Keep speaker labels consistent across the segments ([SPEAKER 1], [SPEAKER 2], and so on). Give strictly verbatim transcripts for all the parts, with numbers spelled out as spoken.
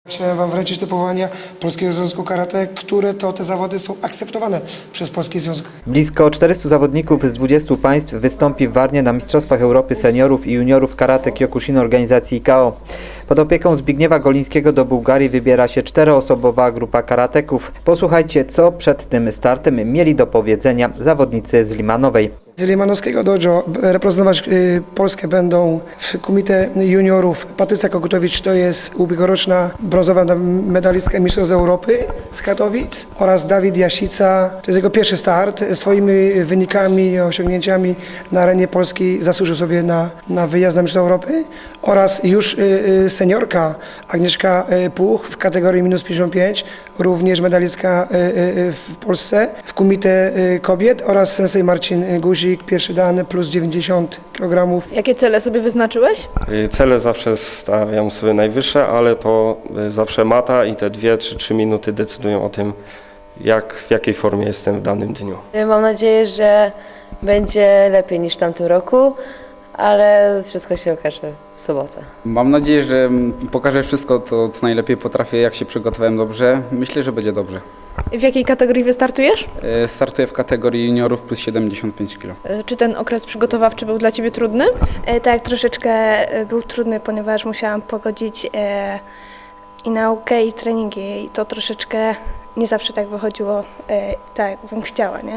[SPEAKER 1] Chciałem Wam wręczyć te powołania Polskiego Związku Karate, które to te zawody są akceptowane przez Polski Związek.
[SPEAKER 2] Blisko czterystu zawodników z dwudziestu państw wystąpi w Warnie na Mistrzostwach Europy Seniorów i Juniorów Karate Kyokushin organizacji I K O. Pod opieką Zbigniewa Golińskiego do Bułgarii wybiera się czteroosobowa grupa karateków. Posłuchajcie, co przed tym startem mieli do powiedzenia zawodnicy z Limanowej.
[SPEAKER 1] Z Limanowskiego dojo reprezentować y, Polskę będą w Komitę Juniorów Patrycja Kokutowicz, to jest ubiegłoroczna brązowa medalistka Mistrzostw Europy z Katowic, oraz Dawid Jasica, to jest jego pierwszy start. Swoimi wynikami i osiągnięciami na arenie polskiej zasłużył sobie na, na wyjazd na Mistrzostwa Europy, oraz już y, y, seniorka Agnieszka y, Puch w kategorii minus pięćdziesiąt pięć, również medalistka y, y, w Polsce w Komitę y, Kobiet, oraz sensei Marcin Guzik, pierwszy dan plus dziewięćdziesiąt kilogramów.
[SPEAKER 3] Jakie cele sobie wyznaczyłeś?
[SPEAKER 4] Cele zawsze stawiam sobie najwyższe, ale to zawsze mata i te dwie czy trzy minuty decydują o tym, jak, w jakiej formie jestem w danym dniu.
[SPEAKER 5] Mam nadzieję, że będzie lepiej niż w tamtym roku, ale wszystko się okaże w sobotę.
[SPEAKER 6] Mam nadzieję, że pokażę wszystko, to, co najlepiej potrafię, jak się przygotowałem dobrze. Myślę, że będzie dobrze.
[SPEAKER 3] W jakiej kategorii wystartujesz?
[SPEAKER 6] E, Startuję w kategorii juniorów plus siedemdziesiąt pięć kilo.
[SPEAKER 3] Czy ten okres przygotowawczy był dla Ciebie trudny?
[SPEAKER 7] E, Tak, troszeczkę e, był trudny, ponieważ musiałam pogodzić e, i naukę, i treningi. I to troszeczkę nie zawsze tak wychodziło, e, tak jak bym chciała, nie?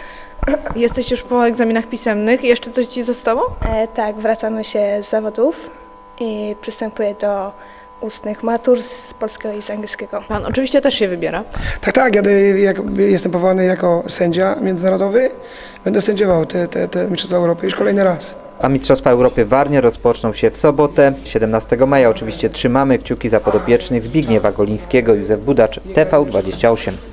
[SPEAKER 3] Jesteś już po egzaminach pisemnych. Jeszcze coś Ci zostało?
[SPEAKER 7] E, tak, wracamy się z zawodów i przystępuję do ustnych matur z polskiego i z angielskiego.
[SPEAKER 3] Pan oczywiście też się wybiera.
[SPEAKER 1] Tak, tak, ja jak, jestem powołany jako sędzia międzynarodowy, będę sędziował te, te, te Mistrzostwa Europy już kolejny raz.
[SPEAKER 2] A Mistrzostwa Europy w Warnie rozpoczną się w sobotę, siedemnastego maja. Oczywiście trzymamy kciuki za podopiecznych Zbigniewa Golińskiego. Józef Budacz, T V dwadzieścia osiem.